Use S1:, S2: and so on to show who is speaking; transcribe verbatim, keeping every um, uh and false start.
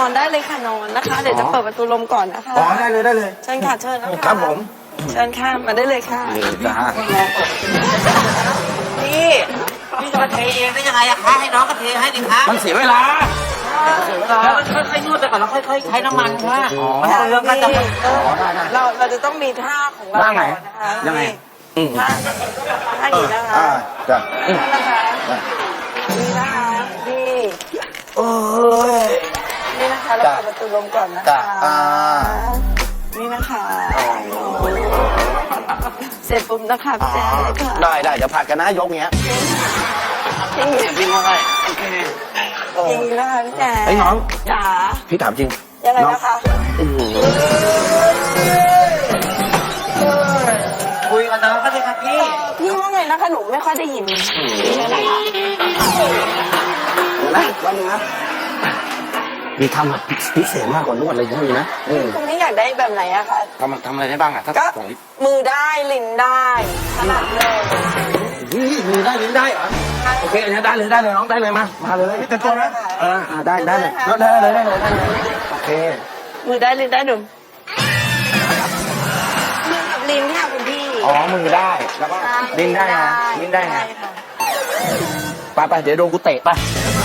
S1: อนได้เลยค่ะนอนนะคะเดี๋ยวจะเปิดประตูลมก่อนนะคะ
S2: อ๋อได้เลยได้เลย
S1: เชิญค่ะเชิญนะคะ
S2: ครับผม
S1: เชิญค่ะมาได้เลยค่ะ
S2: นี่จ้า
S1: นี่
S3: พี่จะมาเทเองได้ยังไงอะคะให้น้องก็เทให้ดิคะ
S2: มันเสียเวลา
S3: แล้วค่อยๆนวดไปก่อนแล้วค่อยๆใช้น้ำมันค่ะมันเรื่องก็จะ
S1: เราเราจะต้องมีท่าของเรา
S2: ว่าไง
S1: นะคะ
S2: ยังไง
S1: ท่าท่านี้นะคะ
S2: อ่าจ้ะ
S1: นี่นะคะนี่นะคะนี่
S2: โอ้ย
S1: นี่นะคะเราเปิดประตูลมก่อนนะ
S2: จ้ะ
S1: คะ
S2: อ่า
S1: นี่นะคะเสร็จปุ๊บนะคะพี่แจ๊คค่ะ
S2: ได้ได้เดี๋ยวผัดกันนะยกเงี้ย
S1: จริง
S2: จริงว่าไง
S1: จริงนะคะพี่แจ๊ค
S2: ไอ้น้อง
S1: จ๋า
S2: พี่ถามจริง
S1: ยังไงนะคะ
S3: คุยกับน้องก็ได้ครับพี่
S1: พี่ว่าไงนะคะหนูไม่ค่อยได้ยิน
S2: นะวันนึงนะมีทำแบบพิเศษมากกว่านวดอะไรอย่างนี้นะ
S1: คุณนี่อยากได้แบบไหนอะคะ
S2: ทำทำอะไรได้บ้างอะถ้า
S1: ก็มือได้ลิ้นได้ขนาดเลย
S2: มือได้ลิ้นได้เหรอโอเคอันนี้ได้เลยได้เลยน้องได้เลยมามาเลยแต่ตัวนะเออได้ได้เลยได้เลยได้เลยได้เลยโอเค
S1: มือได้ลิ้นได้หนุ่มมือกับลิ้นค่ะคุณพี่
S2: อ๋อมือได้แล้วก็ลิ้นได้นะลิ้นได้นะไปไปเดี๋ยวโดนกูเตะไป